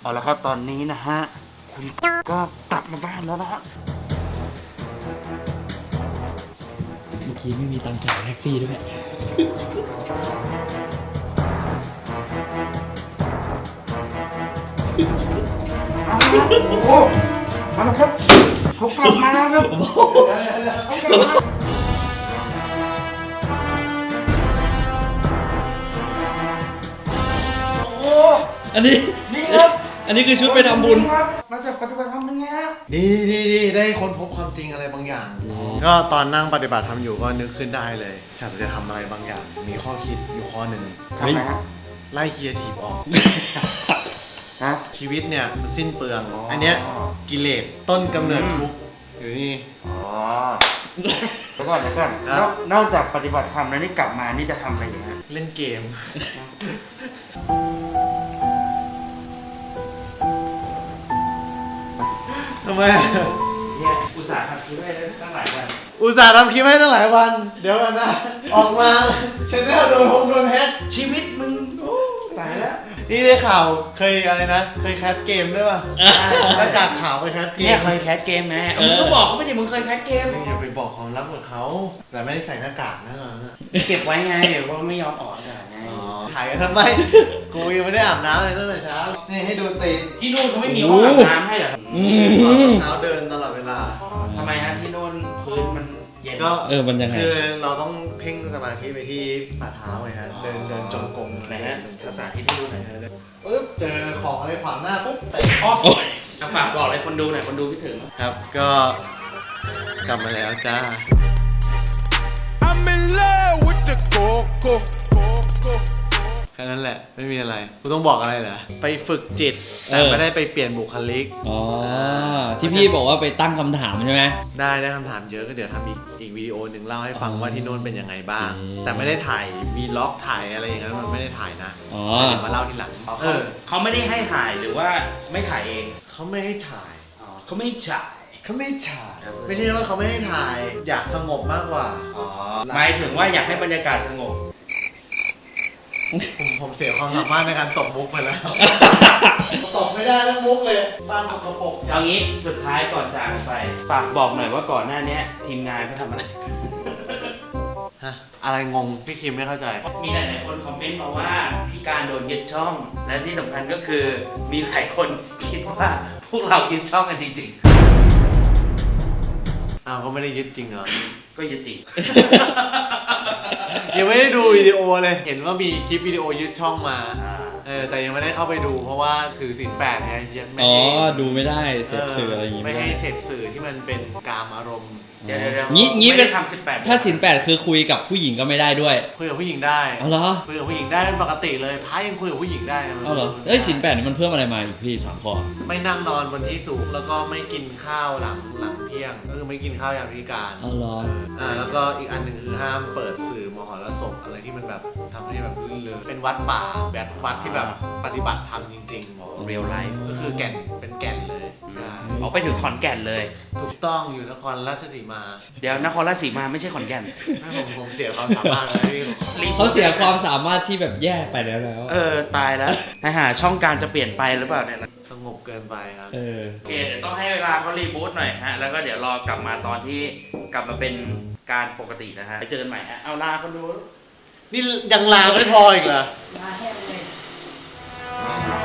เอาละครับตอนนี้นะฮะคุณก็กลับมาบ้านแล้วนะฮะเมื่อกี้ไม่มีตังค์จ่ายแท็กซี่ด้วยเอาละโอ้โหมาแล้วครับเขากลับมาแล้วครับเขากลับมาโอ้โหอันนี้นี่ครับอันนี้คือชุดไปทำบุญครับมาจากปฏิบัติธรรมเป็นไงฮะดีได้ค้นพบความจริงอะไรบางอย่าง ก็ตอนนั่งปฏิบัติธรรมอยู่ก็นึกขึ้นได้เลยจะทำอะไรบางอย่าง มีข้อคิดอยู่ข้อหนึ่งทำอะไรฮะไล่ครีเอทีฟออกฮะชีวิตเนี่ยมันสิ้นเปลือง อันเนี้ยกิเลสต้นกำเนิดทุกข์อยู่นี่อ๋อแล้วก่อนครับนอกจากปฏิบัติธรรมแล้วนี่กลับมานี่จะทำอะไรอยู่ฮะเล่นเกม ทำไมเนี่ยอุตส่าห์ทำคลิปให้ตั้งหลายวันอุตส่าห์ทำคลิปให้ตั้งหลายวัน เดี๋ยวกันนะ ออกมาชแนลโดนแฮกชีวิตมึงโอ้ตายแล้วนี่ได้ข่าวเคยอะไรนะ เคยแคสเกมด้วยป่ะหน้ากากขาวไปแคสเกมเนี่ยเคยแคสเกมไหมมึงก็บอกเขาไม่ได้มึงเคยแคสเกมอย่าไปบอกความลับกับเขาแต่ไม่ได้ใส่หน้ากากนะเก็บไว้ไงเพราะไม่ยอมออกอากาศไงถ่ายกันทำไม กูยังไม่ได้อาบน้ำเลยตั้งแต่เช้า นี่ให้ดูตีนที่นู่นเขาไม่มีห้องอาบน้ำให้เหรอเท้าเดินตลอดเวลาทำไมฮะที่นู่นพื้นมันเย็นก็มันยังไงคือเราต้องเพ่งสมาธิไปที่ฝ่าเท้าไงฮะ เดินจงกรมไหนฮะภาษาที่ที่นู่นไหนฮะปึ๊บเจอของอะไรขวางหน้าปุ๊บเตะอ๋อฝากบอกอะไรคนดูหน่อยคนดูคิดถึงครับ ก็กลับมาแล้วจ้า I'm in love with the coco. แค่นั้นแหละไม่มีอะไรกูต้องบอกอะไรเหรอไปฝึกจิตแต่ไม่ได้ไปเปลี่ยนบุคลิกอ๋อ ที่พี่บอกว่าไปตั้งคำถามใช่ไหมได้คำถามเยอะก็เดี๋ยวทำอีกวิดีโอหนึ่งเล่าให้ฟังว่าที่โน่นเป็นยังไงบ้าง แต่ไม่ได้ถ่ายวีล็อกถ่ายอะไรอย่างนั้นมันไม่ได้ถ่ายนะอ๋อเดี๋ยวมาเล่าทีหลังเขาไม่ได้ให้ถ่ายหรือว่าไม่ถ่ายเองเขาไม่ให้ถ่ายอ๋อเขาไม่จ่ายเขาไม่ถ่ายไม่ใช่ว่าเขาไม่ให้ถ่าย อยากสงบมากกว่าอ๋อหมายถึงว่าอยากให้บรรยากาศสงบผมเสียความสามารถในการตบมุกไปแล้ว ตบไม่ได้แล้วมุกเลยบ้านตกกระปรกเอางี้สุดท้ายก่อนจากไปฝากบอกหน่อยว่าก่อนหน้านี้ทีมงานเขาทำอะไรฮะอะไรงงพี่คิมไม่เข้าใจมีหลายๆคนคอมเมนต์มาว่าพี่การโดนยึดช่อง และที่สำคัญก็คือมีหลายคนคิดว่าพวกเรายึดช่องกันจริงอ้าวเขาไม่ได้ยึดจริงเหรอๆ ก็ยึดจริงยังไม่ได้ดูวิดีโอเลย เห็นว่ามีคลิปวิดีโอยึดช่องมา แต่ยังไม่ได้เข้าไปดูเพราะว่าถือศีลแปดไงยังไม่อ๋อให้ดูไม่ได้เสพสื่ออะไรอย่างงี้ไม่ไม่ได้ให้เสพสื่อที่มันเป็นกามอารมณ์เดี๋ยวงี้ไม่ได้ทำ18 ถ้าศีลแปดคือคุยกับผู้หญิงก็ไม่ได้ด้วยคุยกับผู้หญิงได้เอาเหรอคุยกับผู้หญิงได้เป็นปกติเลยพระยังคุยกับผู้หญิงได้นะเอาเหรอเอ้ยศีลแปดนี่มันเพิ่มอะไรมาอีกพี่3 ข้อไม่นั่งนอนบนที่สูงแล้วก็ไม่กินข้าวหลังเที่ยงก็คือไม่กินข้าวยามพิการเอาเหรอแล้วก็อีกอันหนึ่งคือห้ามเปิดสื่อมหรสพอะไรที่มันแบบทำให้แบบลื่นเริงเป็นวัดป่าแบบวัดที่แบบปฏิบัติธรรมจริงๆเรียลไลฟ์ก็คือแก่นเป็นแก่นเลยใช่เอาไปถึงขอนแก่นเลยถูกต้องอยู่นครราชสีมาเดี๋ยวนครราชสีมาไม่ใช่ขอนแก่นผมเสียความสามารถเลยพี่เขาเสียความสามารถที่แบบแย่ไปแล้วตายแล้วนะฮะช่องการจะเปลี่ยนไปหรือเปล่าเนี่ยสงบเกินไปครับเออโอเคเดี๋ยวต้องให้เวลาเขารีบูตหน่อยฮะ แล้วก็เดี๋ยวรอกลับมาตอนที่กลับมาเป็นการปกตินะฮะไปเจอกันใหม่ฮะ เอาลาคนดูนี่ยังลาไม่พออีกเหรอลาแค่เลย